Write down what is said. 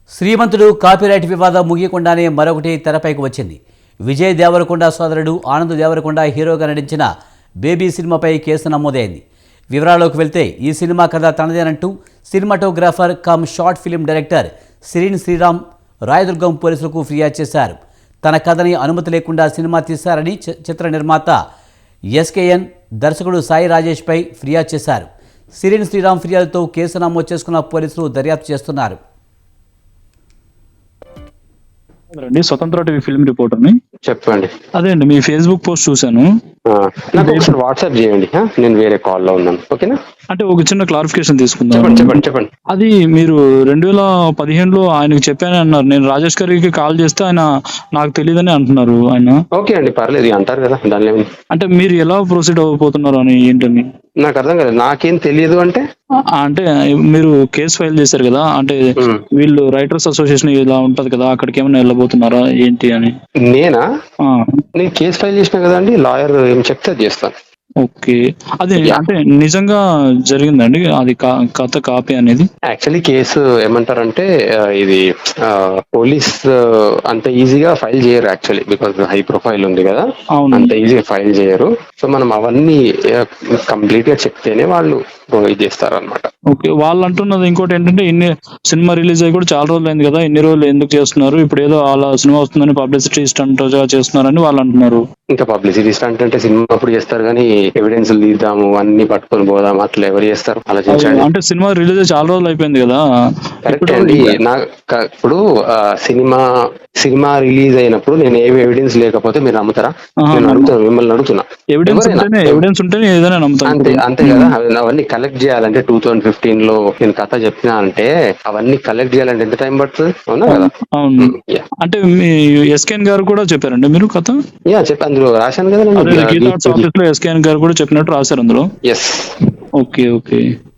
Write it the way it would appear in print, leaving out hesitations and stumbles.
శ్రీమంతుడు copyright వివాదం ముగియకుండానే మరొకటి తెరపైకి వచ్చింది. విజయ్ దేవరకొండ సోదరుడు ఆనంద్ దేవరకొండ హీరోగా నటించిన బేబీ సినిమాపై కేసు నమోదైంది. వివరాల్లోకి వెళ్తే ఈ సినిమా కథ తనదేనంటూ cinematographer come short film director Sirin Sriram Rayadurgam పోలీసులకు ఫిర్యాదు చేశారు. తన కథని అనుమతి లేకుండా సినిమా తీశారని చిత్ర నిర్మాత ఎస్కేఎన్ దర్శకుడు సాయి రాజేష్పై ఫిర్యాదు చేశారు. సిరిన్ శ్రీరామ్ ఫిర్యాదుతో కేసు నమోదు చేసుకున్న పోలీసులు దర్యాప్తు చేస్తున్నారు. స్వతంత్ర టీవీ ఫిల్మ్ రిపోర్టర్ని. చెప్పండి. అదే అండి, మీ ఫేస్బుక్ పోస్ట్ చూశాను. నాకు ఒకసారి వాట్సాప్ చేయండి, నేను వేరే కాల్లో ఉన్నాను. ఓకేనా? అంటే ఒక చిన్న క్లారిఫికేషన్ తీసుకుందాం. చెప్పండి. అది మీరు 2015లో ఆయనకు చెప్పానని అన్నారు. నేను రాజేష్ గారికి కాల్ చేస్తే ఆయన నాకు తెలియదని అంటున్నారు. ఆయన ఓకే అండి, పర్లేదు అంటారు కదా, దానిలో అంటే మీరు ఎలా ప్రొసీడ్ అవ్వబోతున్నారు అని ఏంటని నాకు అర్థం కాలేదు. నాకేం తెలియదు అంటే అంటే మీరు కేసు ఫైల్ చేశారు కదా, అంటే వీళ్ళు రైటర్స్ అసోసియేషన్ ఇలా ఉంటది కదా, అక్కడికి ఏమైనా వెళ్ళబోతున్నారా ఏంటి అని. నేను కేసు ఫైల్ చేసిన కదా అండి, లాయర్ ఏం చెప్తే అది చేస్తాను. ఓకే, అది అంటే నిజంగా జరిగిందండి అది కథ కాపీ అనేది? యాక్చువల్లీ కేసు ఏమంటారంటే ఇది పోలీస్ అంత ఈజీగా ఫైల్ చేయరు యాక్చువల్లీ, బికాస్ హై ప్రొఫైల్ ఉంది కదా, అంత ఈజీగా ఫైల్ చేయరు. సో మనం అవన్నీ కంప్లీట్ గా చెప్తేనే వాళ్ళు ఇది చేస్తారు అనమాట. ఓకే, వాళ్ళు అంటున్నది ఇంకోటి ఏంటంటే, ఇన్ని సినిమా రిలీజ్ అయ్యి కూడా చాలా రోజులు అయింది కదా, ఇన్ని రోజులు ఎందుకు చేస్తున్నారు, ఇప్పుడు ఏదో అలా సినిమా వస్తుందని పబ్లిసిటీ స్టంట్ చేస్తున్నారని వాళ్ళు అంటున్నారు. ఇంకా పబ్లిసిటీ స్టంట్ అంటే సినిమా అప్పుడు చేస్తారు కానీ ఎవిడెన్స్ తీద్దాము అన్ని పట్టుకొని పోదాం అట్లా ఎవరు చేస్తారు? ఆలోచించండి. అంటే సినిమా రిలీజ్ చాలా రోజులు అయిపోయింది కదా. కరెక్ట్ అండి. ఇప్పుడు సినిమా రిలీజ్ అయినప్పుడు నేను ఏమి ఎవిడెన్స్ లేకపోతే మీరు నమ్ముతారా? నేను అడుగుతాను, మిమ్మల్ని అడుగుతున్నా. ఎవిడెన్స్ ఉంటేనే ఏదైనా నమ్ముతాను. అంతే కదా. అవన్నీ కలెక్ట్ చేయాలంటే 2015లో నేను కథ చెప్పినా అంటే అవన్నీ కలెక్ట్ చేయాలంటే ఎంత టైం పడుతుంది? అవునా కదా? అవును. అంటే మీ ఎస్కేఎన్ గారు కూడా చెప్పారండి మీరు కథ? చెప్పి అందులో రాశాను కదా, ఎస్కేఎన్ గారు కూడా చెప్పినట్టు రాశారు అందులో. ఎస్. ఓకే.